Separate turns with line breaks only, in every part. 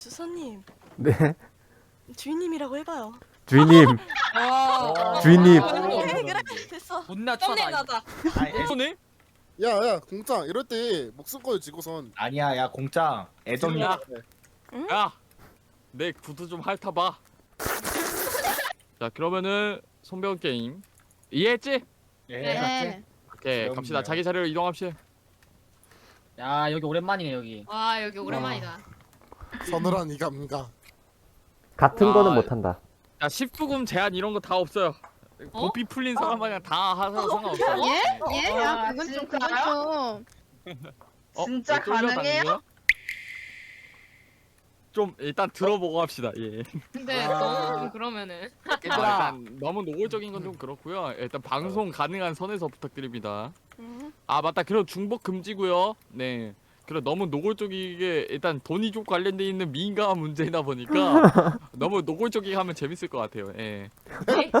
주선님,
네,
주인님이라고 해봐요.
주인님, 주인님.
그래, 됐어.
존나
썸네일
쳐다.
나자.
손님?
야야 공장 이럴 때 목숨 지고선
아니야, 야 공장 애정이야.
야, 야, 내 구두 좀 핥아봐. 자, 그러면은 손배운 게임 이해했지?
네.
오케이,
그럼요.
갑시다. 자기 자리로 이동합시다.
야 여기 오랜만이네 여기.
와 여기 오랜만이다.
서늘한 이 감각.
같은 거는
아,
못한다.
자, 19금 제한 이런 거 다 없어요. 고삐 풀린 사람 마냥 다 하셔도 상관없어요.
예?
네.
예? 야, 그건 좀 그건 좀.
진짜
왜 쫄려다니는
가능해요?
거야? 좀 일단 들어보고 합시다. 예.
근데
아.
너무 좀 그러면은.
일단 너무 노골적인 건 좀 그렇고요. 일단 방송 가능한 선에서 부탁드립니다. 아 맞다. 그리고 중복 금지고요. 네. 그리고 너무 노골적이게 일단 돈이 좀 관련돼 있는 민감한 문제이다 보니까 너무 노골적이게 하면 재밌을 것 같아요. 예.
예?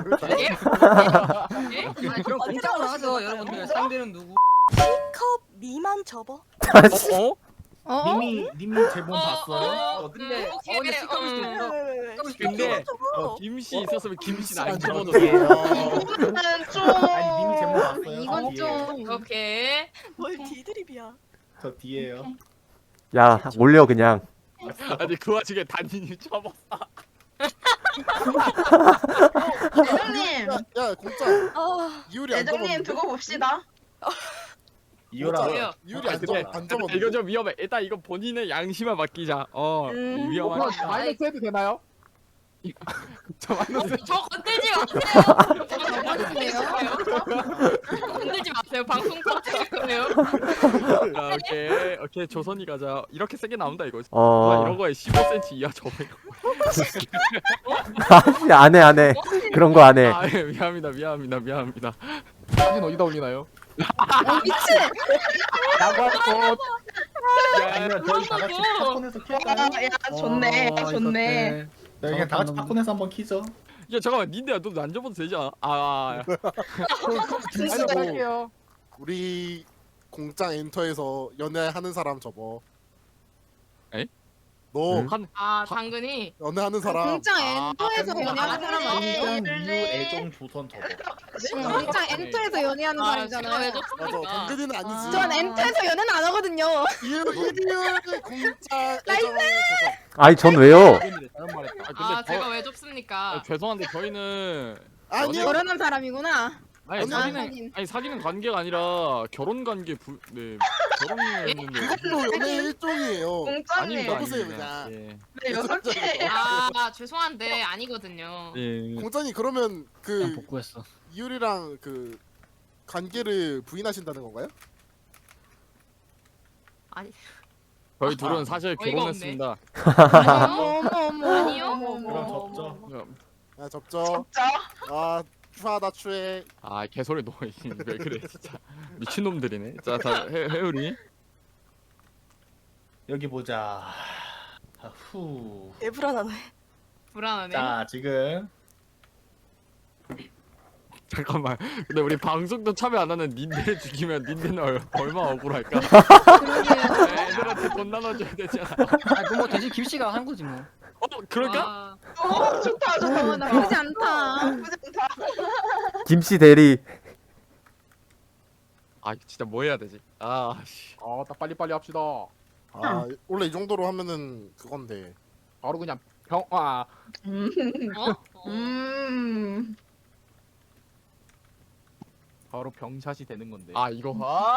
아니 그럼 공짜로 하죠 여러분들. 상대는 누구?
컵 미만 접어.
어?
어?
님이 제본 봤어요?
근데
오케이,
근데 시커멀 수도 있어.
왜?
근데
접어.
김씨 있었으면 김씨는 안
안
접어도
접어도
돼요.
이거는 좀.
아니 님이 제본 봤어요?
이건
저 뒤에.
좀.
오케이.
뭘 디드립이야.
저 뒤에요.
야, 올려 그냥.
아니 그 와중에 단인이 접어.
애정님.
야 공장
아,
이율이 안
애정님
접었는데?
두고 봅시다.
이거라.
왜요?
이율이 안
근데-
접었는데?
이거 좀 위험해. 일단 이거 본인의 양심에 맡기자. 위험하니까.
마이너스 해도 되나요?
저 마이너스.
저 건들지 마세요.
그래요?
건들지 마세요. 방송 터뜨릴 거예요.
자, 오케이 조선이 가자. 이렇게 세게 나온다 이거.
어,
이런 거에 15cm 이하 접어.
안 해. 그런 거 안 해.
아, 예, 미안합니다.
사진 어디다 올리나요?
미친!
라고 할 것.
아니면 저희 다 같이 팝콘에서
아,
킬까요?
야 좋네. 좋네.
저희 그냥 다 같이 팝콘에서 한번 키죠.
야 잠깐만, 닌데야 너 안 접어도 되지 않아?
진짜.
할게요.
우리 공장 엔터에서 연애하는 사람 접어.
에이?
너
응?
한
아 당근이.
연애하는 사람
공장 엔터에서
아,
연애하는 사람 아니에요?
공장 이유 애정 조선 접어.
공장 엔터에서 연애하는
아 제가 왜
사람이잖아요.
맞아
접습니까?
당근이는 아니지.
전 엔터에서 연애는 안 하거든요.
이율 공장 애정 조선.
아니, 전 왜요?
잘못 말했다.
아
근데
제가 왜 접습니까?
죄송한데 저희는
아니요.
결혼한 사람이구나.
아니 사귀는 관계가 아니라 결혼 관계 결혼을 했는데.
그것도 연애 일종이에요.
공짜님.
아닙니다.
여보세요,
아닙니다.
그냥.
예.
네, 여섯 개. 아 죄송한데 아니거든요.
예.
공장이 그러면
그냥
그
복구했어.
이율이랑 그 관계를 부인하신다는 건가요?
아니
저희 둘은 사실
어이가
결혼했습니다.
아니요.
어머.
아니요.
그럼 접죠.
아 접죠.
접자.
아 추하다 추해.
아 개소리 너 왜 그래 진짜 미친놈들이네. 자 해율이.
여기 보자. 후.
애 불안하네.
불안하네.
자 지금
잠깐만. 근데 우리 방송도 참여 안 하는 닌데 죽이면 닌데는 얼마 억울할까?
그러게요.
애들한테 돈 나눠줘야 되잖아.
아 그럼 뭐 대신 김씨가 한 거지 뭐.
그럴까?
좋다
어, 나쁘지 않다.
김씨 대리.
아 진짜 뭐 해야 되지? 씨.
딱 빨리빨리 합시다.
아 원래 이 정도로 하면은 그건데.
바로 그냥 병. 바로 병샷이 되는 건데.
이거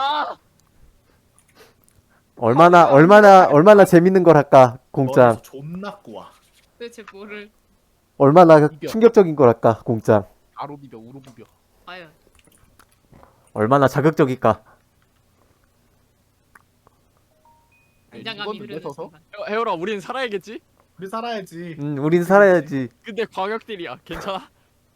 얼마나 재밌는 걸 할까, 공장.
머리에서 존나 꼬아.
도대체 뭐를?
얼마나
이겨.
충격적인 걸 할까, 공장.
아로 비벼 우로 비벼.
아유.
얼마나 자극적일까.
긴장감이
이건 내 서서?
흐르는.
해율아 우린 살아야겠지?
우리 살아야지.
우린 살아야지.
근데 광역들이야. 괜찮아?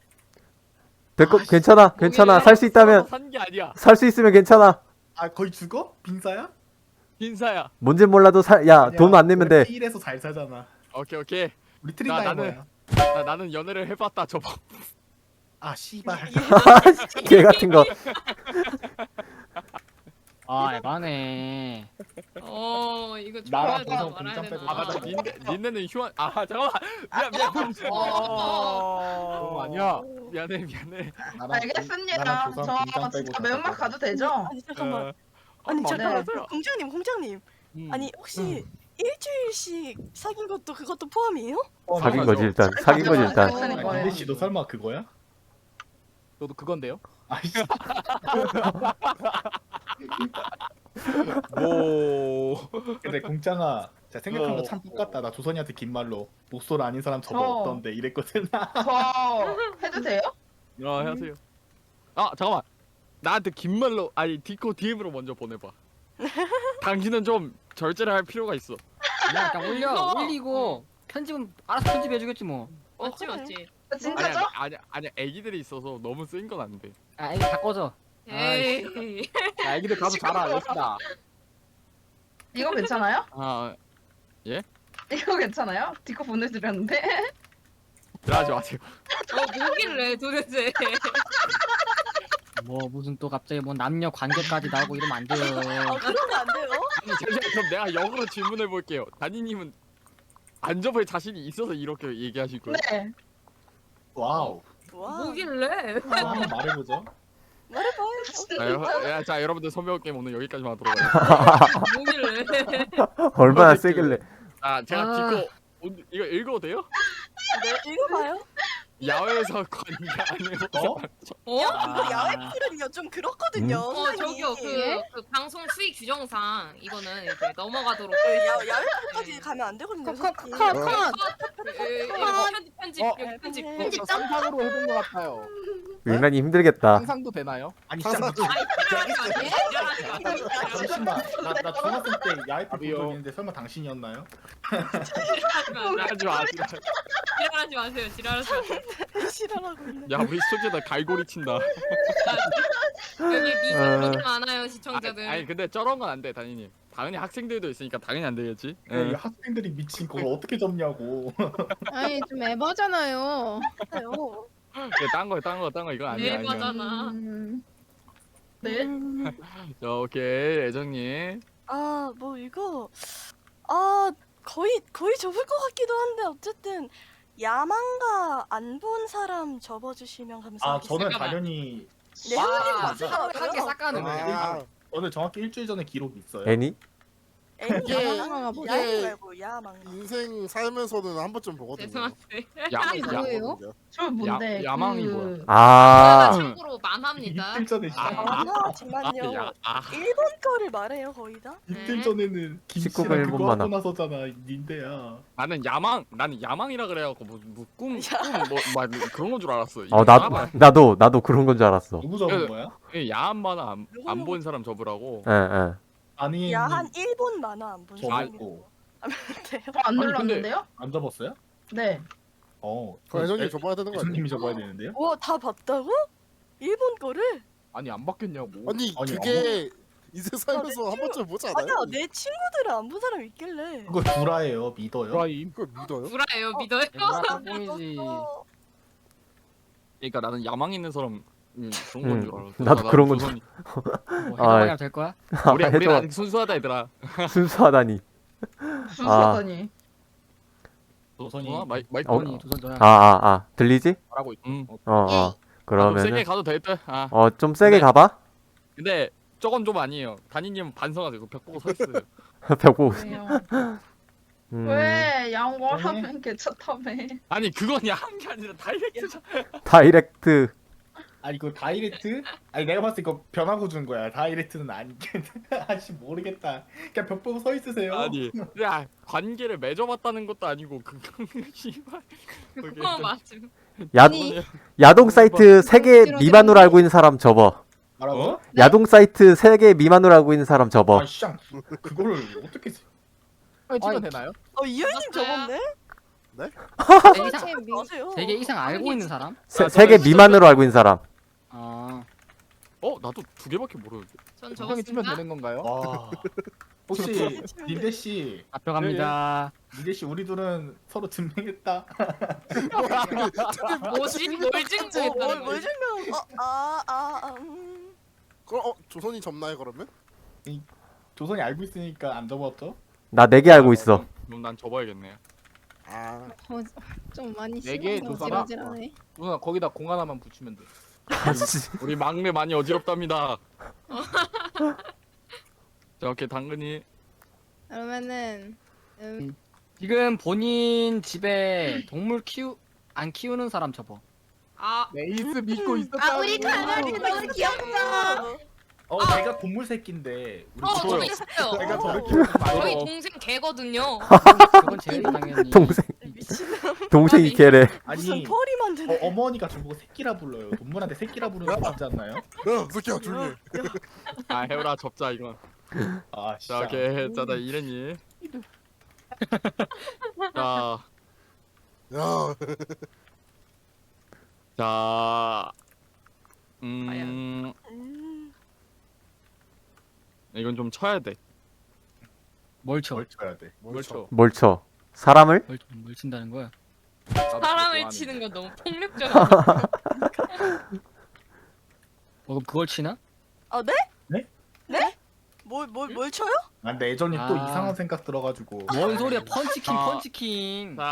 괜찮아. 살 수 있다면,
산 게 아니야.
살 수 있으면 괜찮아.
아 거의 죽어? 빈사야?
흰사야.
뭔진 몰라도 돈 안 내면 돼.
일에서 잘 사잖아.
오케이.
우리 트린다이
나는-
뭐야?
나는 연애를 해봤다 저거.
아 씨발.
개 같은 거.
아 에바네.
이거
나랑
좋아야
보성
말아야
공장
되나?
빼고
아 맞다 닌네는 휴한 아 잠깐만 미안
그거 아니야.
미안해
알겠습니다.
나랑 조선
저
공장 빼고
진짜
다
매운맛
빼고.
가도 되죠?
아니 잠깐만.
어,
아니
맞아요,
잠깐만.
맞아요.
공장님. 아니 혹시 일주일씩 사귄 것도 그것도 포함이에요?
사귄 거지 일단. 사귄 거지 일단.
어.
아, 근데 씨너 설마 그거야?
저도 그건데요.
아이씨.
뭐
근데 공장아, 제가 생각한 거
어.
참 똑같다. 나 조선이한테 긴 말로 목소리 아닌 사람 저거
어.
없던데 이랬거든.
저 해도 돼요?
하세요 아 잠깐만 나한테 긴 말로 아니 디코 DM으로 먼저 보내봐 당신은 좀 절제를 할 필요가 있어
그냥 일단 올리고 편집은 알아서 편집해주겠지 뭐.
맞지
그래.
맞지.
진짜죠?
아니야 애기들이 있어서 너무 쓰인 건 안돼
아 이거 다 꺼져.
에이.
야, 애기들 가서 자라. 예쁘다.
이거 괜찮아요?
아
이거 괜찮아요? 디코 보내드렸는데.
그러지 마세요
뭐길래 도대체.
뭐 무슨 또 갑자기 뭐 남녀 관계까지 나오고 이러면 안 돼요.
그러면 안 돼요?
아니 잠시만 그럼 내가 역으로 질문해 볼게요 다니님은 안 접을 자신이 있어서 이렇게 얘기하실 거예요?
네.
와우.
와.
뭐길래.
한번 말해보죠.
말해봐요.
자 여러분들 선배우 게임 오늘 여기까지만 하도록 하겠습니다
뭐길래.
얼마나 세길래.
아 제가
아.
디코 오늘 이거 읽어도 돼요?
네, 읽어봐요.
야외에서 관계 안 해서
어?
어?
이거 야외 풀은요 좀 그렇거든요.
저기요 그 방송 수익 규정상 이거는 이제 넘어가도록.
야외 풀까지 가면 안 되거든요. 솔직히.
컷.
편집 편집.
편집
상상으로 해본 것 같아요.
인간이 힘들겠다.
상상도 되나요?
아니 진짜 나도
잠시만.
잠시만. 나 중학생 때 야외
아비요.
풀 있는데 설마 당신이었나요?
하지 마.
지랄하지 마세요. 지랄하지 마세요.
싫어하고 있네.
야 우리 스토지에다 갈고리 친다.
여기 미성년이 많아요 시청자들.
아니 근데 저런 건 안 돼 다니님. 당연히 학생들도 있으니까 당연히 안 되겠지.
이 학생들이 미친 그걸 어떻게 접냐고.
아니 좀 에바잖아요.
딴거 이거 아니야. 아니야.
대박잖아.
네.
자 오케이 애정님.
뭐 이거 거의 접을 것 같기도 한데 어쨌든 야망가 안 본 사람 접어주시면
아
감사하겠습니다.
저는
잠깐만.
당연히
네, 형님 맞으세요?
한개 싹 가는 거예요.
아,
저는 정확히 일주일 전에 기록이 있어요.
애니?
애니
이게-
야망가
이게-
야망 말고 야망가.
인생 살면서는 한 번쯤 보거든요.
죄송한데.
뭐예요?
저 뭔데?
야망이
그-
뭐야?
아.
참고로 만합니다.
이틀 전에
만하지만요. 일본 거를 말해요 거의 다.
이틀 전에는
19금
김치랑
일본
그거
만화.
하고 나서잖아 닌데야.
나는 야망이라 그래갖고 뭐꿈뭐 그런 건 줄 알았어.
나도 그런 건 줄 알았어.
누구 적은 거야?
야한 만화 안 본 사람 접으라고.
예.
아니
야한 일본 만화 안 본 사람이
접었고
돼요.
저안
아니, 근데-
눌렀는데요?
안 접었어요?
네.
그 애정님 접어야 되는 거 아니에요?
교수님이 접어야 되는데요?
와다 봤다고? 일본 거를?
아니 안 바뀌었냐고.
아니
아니,
그게 인생 살면서 한 번쯤 보지 않아요?
아니야 내 친구들은 안 본 사람 있길래.
그거 구라예요 믿어요?
브라임.
그걸 믿어요?
구라예요 믿어요?
뽕이지.
그러니까 나는 야망 있는 사람 그런 건 줄 알았어.
나도 그런 건 줄-
해봐야 될 거야?
우리
해줘.
아직 순수하다 얘들아.
순수하다니.
순수하더니.
조선이
마이크.
뽕이 조선 전화.
들리지?
말하고 있.
어.
세게
그러면은
가도 될 듯.
좀 세게
네.
가봐.
근데 저건 좀 아니에요. 단이님 반성하세요. 벽 보고 서 있어요.
벽 보고.
왜요?
음,
왜 양보하면 괜찮다며.
아니 그건 야한 게 아니라 다이렉트잖아.
다이렉트.
아니 이거 다이렉트? 아니 내가 봤을 때 이거 변하고 준 거야. 다이렉트는 아니겠다. 아씨 모르겠다. 그냥 벽 보고 서 있으세요.
아니 야 관계를 맺어봤다는 것도 아니고 씨발.
그거 맞음.
야동 사이트 3개 미만으로 알고 있는 사람 접어.
뭐라고?
야동 사이트 3개 미만으로 알고 있는 사람 접어.
아 쌍. 그거를 어떻게
찍으면 되나요?
이현님 접었네?
세 이상
아세요?
3개 이상 알고 있는 사람?
3개 미만으로 알고 있는 사람.
아.
나도 2개밖에 모르는데.
전
형이 치면
접었습니다.
되는 건가요?
와. 혹시 닌데 씨,
잡혀갑니다.
닌데 씨 우리 둘은 서로 증명했다.
뭐지? 뭘 증명했다는
뭘
거지?
증명?
그럼 조선이 접나요 그러면?
조선이 알고 있으니까 안 접었죠?
나 4개 알고 있어.
그럼 난 접어야겠네.
아
좀 많이
네 개,
심하다.
조사가?
지랄지랄해.
누나 거기다 공 하나만 붙이면 돼.
아씨.
우리 막내 많이 어지럽답니다. 자, 오케이 당근이.
그러면은
지금 본인 집에 동물 안 키우는 사람 접어.
아
에이스 믿고 있었다.
우리 강아지 너무 귀엽다.
내가 동물 새끼인데 우리
저도 있어요.
내가 저렇게
저희
어.
동생 개거든요.
그건 제일 당연히.
동생.
미친.
동생이 걔래.
무슨
아니
펄이 만드네.
어머니가 저보고 새끼라 불러요. 동물한테 새끼라 부르는 거 맞지 않나요?
야 새끼야 조용히 해.
아 해오라 접자 이건.
아
자
진짜.
오케이 자나 이랬니. 자.
야
자.
음.
이건 좀 쳐야 돼.
뭘 쳐?
뭘 쳐야 돼?
뭘 쳐?
뭘 쳐? 사람을?
뭘 친다는 거야?
사람을 치는 건 너무 폭력적이야.
그럼 그걸 치나?
아 네?
네?
네? 뭘 쳐요?
아 근데 예전이 또
아.
이상한 생각 들어가지고.
뭔 소리야? 펀치킹,
아.
펀치킹.
자.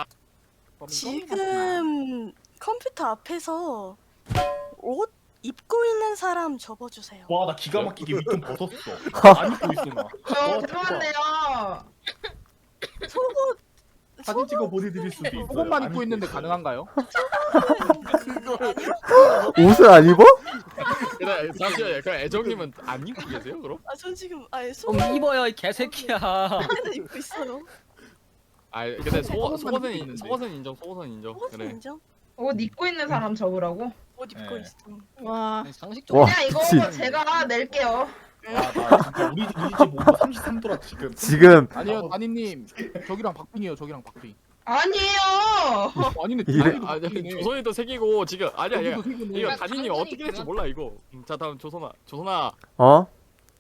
지금 컴퓨터 앞에서 옷 입고 있는 사람 접어주세요.
와 나 기가 막히게 윗돈 벗었어. 안 입고 있어 나.
저
대박.
죄송한데요.
속옷
사진 찍어 보내드릴 수도 있어요.
조금만
안
입고 있는데 가능한가요?
그거
옷을 안 입어?
그래 잠시만요. 그럼 애정님은 안 입고 계세요 그럼?
전 지금 아예
그럼 입어요, 이 개새끼야.
속옷을 입고 있어요.
아 근데
조금만
속옷은
입고 있는데.
속옷은 인정. 속옷은 인정.
속옷은
그래.
인정?
옷 입고 있는 사람 접으라고?
옷 입고
네.
있어.
와.
상식적으로.
와,
그냥 이거
미친.
제가 낼게요.
나 진짜 우리 집 온도 33도라 지금.
지금
아니요, 다니님. 저기랑 박빙이에요. 저기랑 박빙.
아니에요.
아니네.
이래-
아니 조선이도 새기고 지금 아니야
여기도 새기네.
이거
야,
다니님
당근이
어떻게 될지
그만-
몰라 이거. 자 다음 조선아.
어?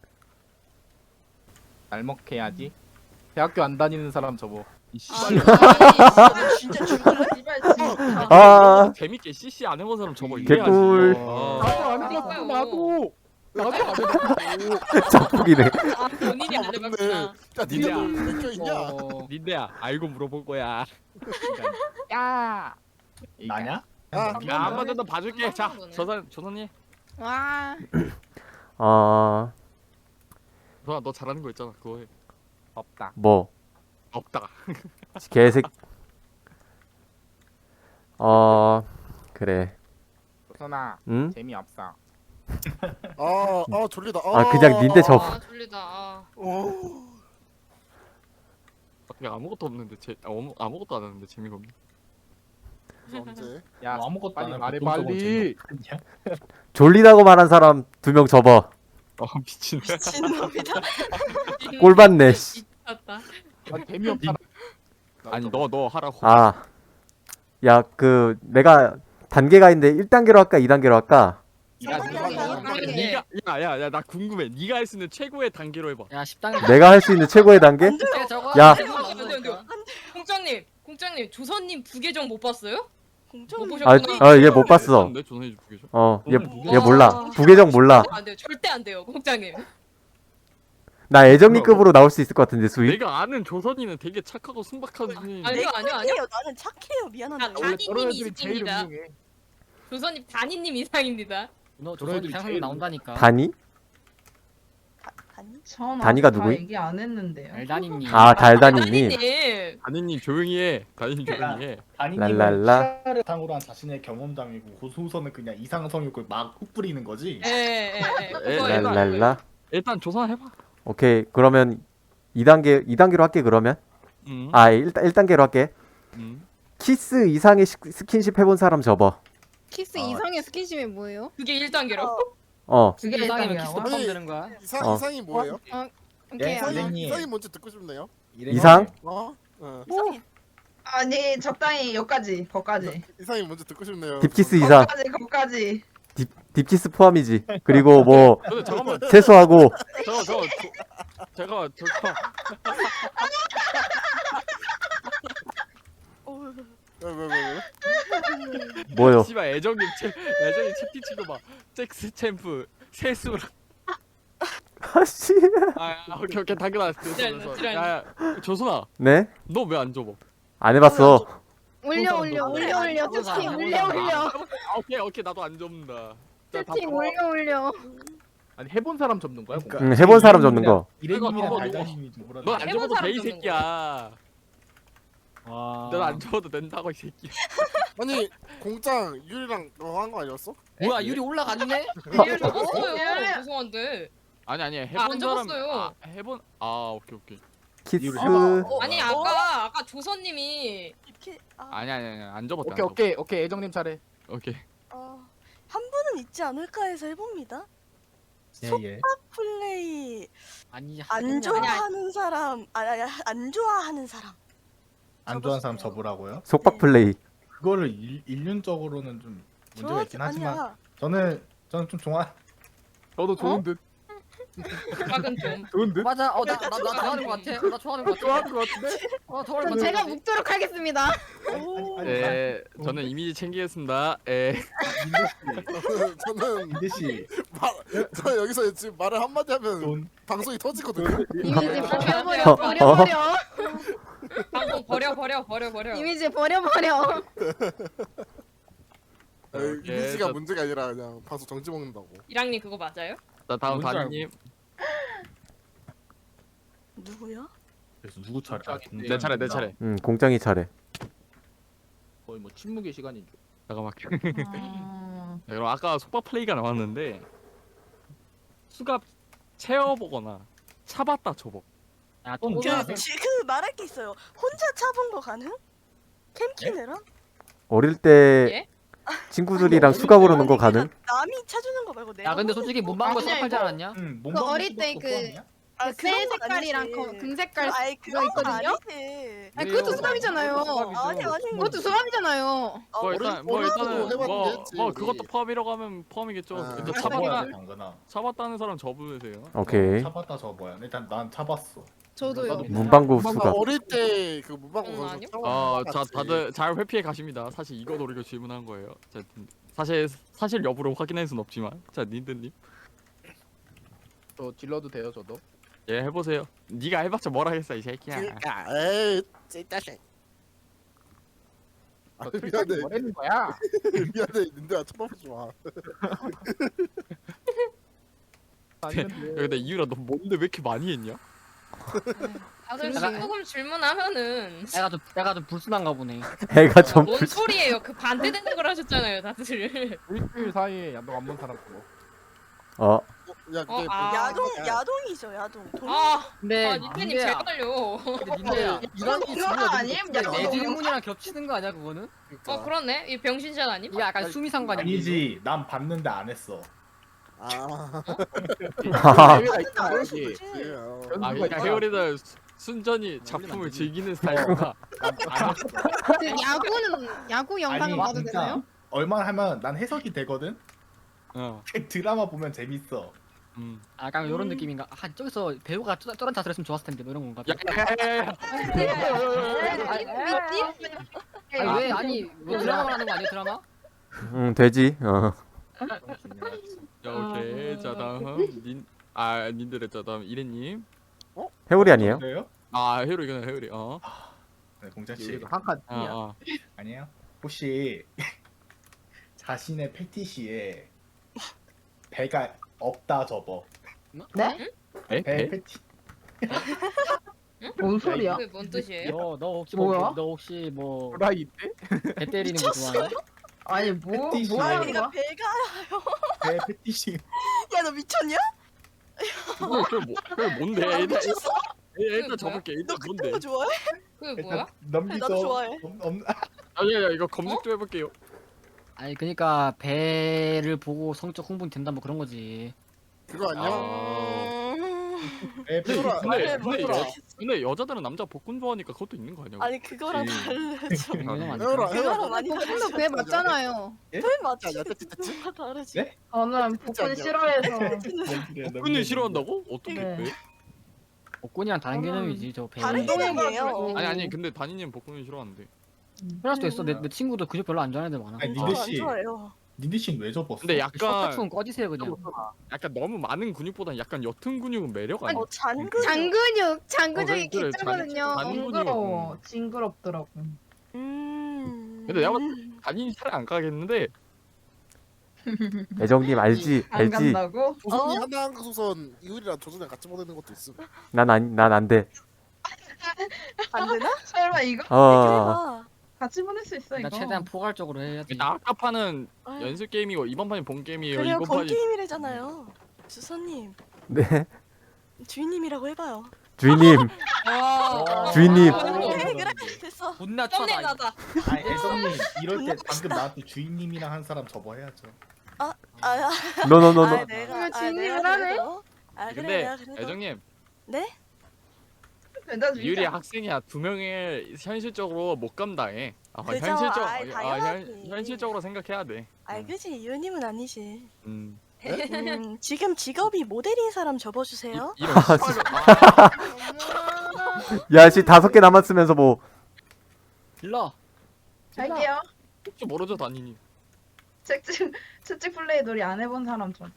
날먹해야지. 대학교 안 다니는 사람 접어.
이
아,
씨발
진짜 죽을래?
제발 진짜.
아,
재밌게 CC 안 해본 사람 저거
개꿀.
아,
안
해봤어,
나도. 나도 안 해봤고.
자폭이네.
아 본인이 안 해봤구나.
야 니네 뭐 껴 있냐?
닌데야 알고 물어볼 거야.
야.
나냐?
아,
야 한 번 더 봐줄게. 자
보네.
조선이.
와.
조선아 너 잘하는 거 있잖아. 그거 해.
없다.
뭐?
없다.
개색. 그래.
조선아,
응?
재미없어.
졸리다.
아, 그냥 닌데 접.
아 졸리다. 아.
그냥 아무것도 없는데 아무것도 안 하는데 재미가 없네.
언제?
야,
아무것도
빨리
안
말해
하고
빨리.
졸리다고 말한 사람 2명 접어.
미친.
미친놈이다.
꼴 받네, 씨.
미쳤다.
난 재미없잖아.
아니 너 하라고.
아. 야, 내가 단계가 있는데 1단계로 할까? 2단계로 할까?
네가 야야야 나 궁금해. 네가 할 수 있는 최고의 단계로 해봐.
야, 10단계.
내가 할 수 있는 최고의 단계? 야.
공장님 조선님 부계정 못 봤어요?
공정.
못
아,
보셨구나.
얘 못 봤어.
내 조선이 부계죠.
얘 몰라. 부계정 몰라.
안 돼요. 절대 안 돼요, 공장님.
나 애정리급으로 나올 수 있을 것 같은데, 수위?
내가 아는 조선이는 되게 착하고 순박한 분이.
아니요.
나는 착해요. 미안한데.
아,
원래
다니님
저런 애들이 제일
이상입니다.
훌륭해.
조선님 단이님 이상입니다.
너
저런
조선이
애들이
상상이
제일
나온다니까.
다니?
아니.
전
단이가
아직 다
누구임?
얘기 안 했는데요.
알다니님.
아, 달다니님.
단이님.
다니님 조용히 해. 다니님 조용히 해.
다니님은
랄랄라.
시야를 바탕으로 한 자신의 경험담이고 고수선은 그냥 이상성욕을 막 훅뿌리는 거지.
예.
랄라.
랄랄라.
일단 조선 해봐.
오케이. 그러면 2단계로 할게, 그러면.
응.
아, 1단계로 할게.
응.
키스 이상의 스킨십 해본 사람 접어.
키스 이상의 스킨십이 뭐예요?
그게 1단계로.
그게
이상이면 키스
일단이라고?
포함 되는 거야?
어.
이상이 뭐예요?
오케이.
예, 선생님.
이상이 뭔지 듣고 싶네요.
이상?
이상해.
아니 적당히 여기까지 거까지.
이상이 뭔지 듣고 싶네요.
딥키스 이상.
거까지.
딥키스 포함이지. 그리고 뭐
근데 잠깐만.
세수하고
잠깐만.
왜?
뭐요?
씨발 애정님 채팅 치고 막 잭스 챔프 세수랑
아씨.
오케이 당연하. 야 조선아,
네?
너 왜 안 접어?
안 해봤어.
올려 채팅 올려
오케이 나도 안 접는다. 자, 다
채팅
접어.
올려
아니 해본 사람 접는 거야?
그러니까
그거?
해본 사람 접는 거.
이래님이랑
이거
달달님이 좀 그러네.
넌안
해본
접어도 돼 이
사람 접는
새끼야.
와.
넌 안 접어도 된다고 이 새끼야.
아니 공장 유리랑 너 한 거 아니었어?
뭐야 유리 올라갔네?
얘 접었어요. 죄송한데.
아니
안
해본 사람.
접었어요.
해본 오케이.
키스.
아니 아까 조선님이
이렇게
아니 안 접었다.
오케이 애정님 차례.
오케이.
한 분은 있지 않을까 해서 해봅니다.
예.
플레이
아니
안 좋아하는 사람 아니 안 좋아하는 사람.
안 좋아하는 사람
접었어요.
접으라고요?
속박 플레이.
그거를 일륜적으로는 좀 문제가 있긴 하지만
아니야.
저는 좀 좋아.
저도 좋은 듯.
작은 좀.
좋은 듯.
맞아 나 좋아하는 거 같아. 나 좋아하는 거 같아.
좋아하는 거 같은데?
좋아하는 거
제가
같아.
묵도록 하겠습니다.
네, 저는 이미지 챙기겠습니다. 예.
저는
민대 씨,
저 여기서 지금 말을 한마디 하면
돈
방송이 터지거든요.
이미지
어.
버려
방송 버려.
이미지 버려
이미지가
저-
문제가 아니라 그냥 방송 정지 먹는다고.
이랑님 그거 맞아요?
자 다음
뭔지
다니님.
누구야?
그래서 누구 차례?
내 차례.
공장이 차례.
거의 뭐 침묵의 시간인 줄.
잠깐만. 자, 그럼 아까 속박 플레이가 나왔는데 수갑 채워보거나 차봤다 접어.
야
돈
또
줘.
그 말할 게 있어요. 혼자 차본 거 가능? 캠키네랑?
어릴 때
예?
친구들이랑 수갑으로 놓은 거 가능?
남이 차주는 거 말고 내가.
야 근데 솔직히 문방구
아니야,
수납하지
이거.
않았냐?
그 어릴 때
아,
새
그런 건
색깔이랑
아니지.
금색깔
아이
그거
그건
있거든요?
아니지.
아니 그것도 수갑이잖아요.
아니
그것도 수갑이잖아요.
뭐 일단은 뭐
해봤는데
뭐
우리.
그것도 포함이라고 하면 포함이겠죠.
아.
일단
차봐야
차봤다 차봤다는 사람 접으세요.
오케이.
차봤다 접어야. 일단 난 차봤어.
저도요.
문방구
나
수갑.
어릴 때 그 문방구
응,
가서
아니요?
자 다들 잘 회피해 가십니다. 사실 이거 노리고 질문한 거예요. 자 사실 여부를 확인할 순 없지만 자 닌드님
저 질러도 돼요 저도.
예 해보세요. 네가 해봤자 뭘 하겠어 이 새끼야.
에이 찐따식. 아
저
미안해
틀까지 뭐라는 거야?
미안해 근데 쳐다보지 마.
아니면
야, 근데 이유라 너 뭔데 왜 이렇게 많이 했냐?
다들
그러게.
조금 질문하면은
내가 좀 불순한가 보네.
애가 좀
뭔 소리예요? 그 반대되는 걸 하셨잖아요, 다들.
일주일 사이에 야동 안 본 사람 그거.
어.
야 그게
야동이죠 야동.
근데
닌자님
닌자야.
제일 떨려.
근데 닌자야.
이런
이런 거 아니에요?
내 질문이랑 겹치는 거 아니야 그거는?
그러네. 이 병신샷 아님?
이게 약간 수미상관이야.
아니지, 난 봤는데 안 했어.
아
기회가 있다
그럴
여기.
수 있지.
아 그러니까 회오리는 순전히 작품을 즐기는 스타일이구나.
그 야구 영상은 봐도
진짜
되나요?
얼마나 하면 난 해석이 되거든.
어.
드라마 보면 재밌어.
아, 약간 이런 느낌인가? 아 저기서 배우가 저런 자세를 했으면 좋았을 텐데 뭐 이런 건가? 아니 왜 아니 뭐 드라마 하는 거 아니야 드라마?
되지. 어.
자 오케이 자 다음 닌드레 자 다음 이래님.
해오리 아니에요?
그래요?
아 회오리 이거는 회오리. 어.
네, 공자 씨.
한칸
어.
아니에요? 혹시 자신의 패티시에 배가 없다 접어.
네?
배 패티.
뭔 소리야?
그게 뭔 뜻이에요?
너 혹시
뭐야?
너 혹시 뭐 배
호라이 때?
때리는 거 좋아해?
아니 뭐
패티시.
뭐 하는
내가
거야?
배가
배 패티시.
야 너 미쳤냐?
그게 뭔데? 일단
뭐야?
접을게.
너
일단
그딴
뭔데?
거 좋아해?
그게 뭐야?
넘기죠.
나도 좋아해.
아니야 이거 검색 좀 해볼게요.
아니 그러니까 배를 보고 성적 흥분이 된다 뭐 그런 거지.
그거 아니야?
배 패티시.
근데 여자들은 남자 복근 좋아하니까 그것도 있는 거 아니야?
아니 그거랑 다르죠.
당연한 거 아니야?
해오라
그거랑 많이
복근도 그게 맞잖아요.
배 맞지?
야, 됐지.
뭐가 다르지?
네?
저는 복근 싫어해서
복근을 싫어한다고? 어떻게?
네.
왜?
복근이랑 다른 개념이지 저 배.
다른 개념이에요.
아니 근데 다니님 복근을 싫어하는데.
그럴 수도 있어. 내 친구도 근육 별로 안 좋아하는 애들 많아.
아니
저
닌데
안
씨.
좋아해요.
닌디신 왜 접었어?
근데
셔터
약간
꺼지세요 그냥.
너무 많은 근육보다 약간 옅은 근육은 매력 아니야?
잔근.
장근육이
그래,
개짜거든요.
잔-
징그러워. 징그럽더라고.
근데 내가 단인이 살 안 가겠는데
애정님 알지?
안
알지?
간다고?
조선이 한강소선 이효리랑 조선이랑 같이 보내는 것도 있음.
난 안 돼.
안 되나?
설마 이거
어.
해봐.
같이 보낼 수 있어 이거?
나 최대한 포괄적으로 해야지.
일단 아까 판은
아,
연습 게임이고 이번 판이 본 게임이에요.
그래요,
이번
본
판이
게임이래잖아요. 주선님,
네.
주인님이라고 해봐요.
주인님, 주인님.
그래, 그래, 됐어.
존나
썸네일
쳐다.
나다.
아니 애성님 이럴 때 방금 나한테 주인님이랑 한 사람 접어야죠.
아,
노노노노.
내가
주인님을
내가
하네?
그래도. 그래,
근데
내가 그래도.
애정님
네?
나 진짜-
유리 학생이야 2명을 현실적으로 못 감당해.
그죠? 당연하지.
현실적으로 생각해야 돼.
그지, 유님은 아니지.
음.
지금 직업이 모델인 사람 접어주세요.
이런
아,
씨발로
야, 씨 5개 남았으면서 뭐.
일러.
할게요.
혹시 모르죠 단인이.
채찍 플레이 놀이 안 해본 사람 좀.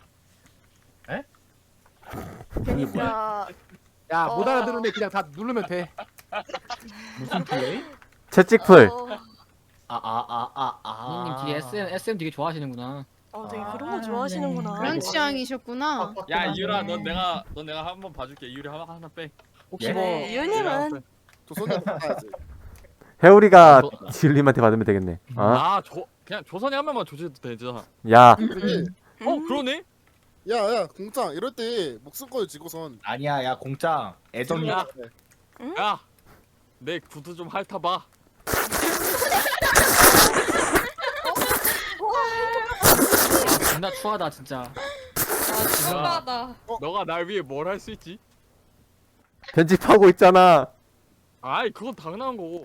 그러니까
야 못
어.
알아들으면 그냥 다 누르면 돼.
무슨 플레이?
채찍풀.
형님 뒤에 SM 되게 좋아하시는구나.
되게 그런
아,
거 좋아하시는구나.
네.
그런 취향이셨구나.
야 이유라
네.
넌 내가 한번 봐줄게. 이유리 하나 빼.
혹시
예?
뭐
네, 유님은
조선이 받아야지.
해오리가 지율님한테 받으면 되겠네.
그냥 조선이 한 명만 조져도 되잖아.
야,
근데
그러네.
야야 공장 이럴 때 목숨걸 지고선
아니야 야 공짱 애정이
야, 야, 내 구두 좀 핥아봐.
존나 추하다 진짜.
신나다.
너가 날 위해 뭘 할 수 있지?
편집하고 있잖아.
아이 그건 당연한 거고.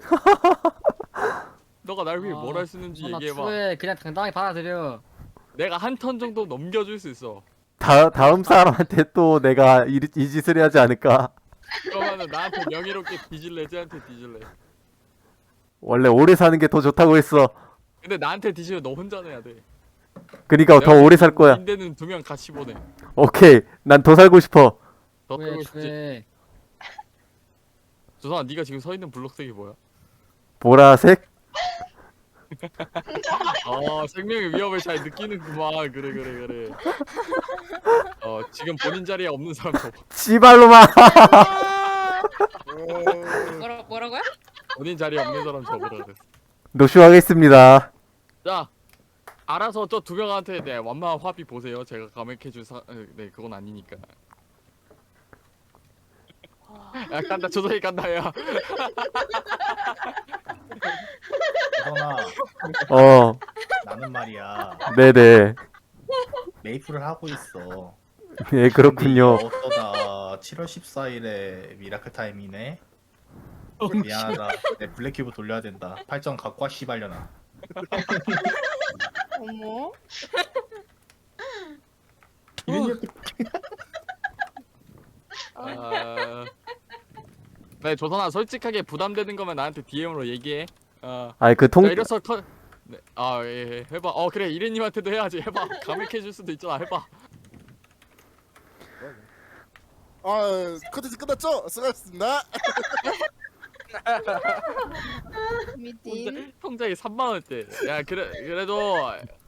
너가 날 위해 뭘 할 수 있는지
존나
얘기해봐.
추해. 그냥 당당히 받아들여.
내가 한 턴 정도 넘겨줄 수 있어.
다음 사람한테 또 내가 이 짓을 해야지 않을까?
그러면은 나한테 명예롭게 뒤질래, 쟤한테 뒤질래.
원래 오래 사는 게 더 좋다고 했어.
근데 나한테 뒤지면 너 혼자 내야 돼.
그니까 더 오래 살 거야.
인대는 2명 같이 보내.
오케이. 난 더 살고 싶어.
더
왜
끌고 싶지.
추해?
조선아, 네가 지금 서 있는 블록색이 뭐야?
보라색?
생명의 위협을 잘 느끼는구만. 그래. 지금 본인 자리에 없는 사람 접어.
씨발로마.
뭐라고요?
본인 자리에 없는 사람 접으라 그랬어.
노쇼하겠습니다.
자, 알아서 저 2명한테 완만한 화비 보세요. 제가 감액해줄 네, 그건 아니니까. 야, 간다. 조선이 간다, 야.
애정아
어,
나는 말이야
네네.
메이플을 하고 있어.
네, 그렇군요.
근데 이거 어쩌다 7월 14일에 미라클 타임이네. 미안하다. 내 블랙큐브 돌려야 된다. 8점 갖고 와 씨발려나.
어머.
네, 조선아, 솔직하게 부담되는 거면 나한테 DM으로 얘기해.
아이 그 통.
자, 이래서 네, 예, 해봐. 그래, 이래님한테도 해야지. 해봐. 감액해줄 수도 있잖아. 해봐.
컨텐츠 끝났죠? 수고하셨습니다.
미팅.
통장에 3만 원대. 야, 그래도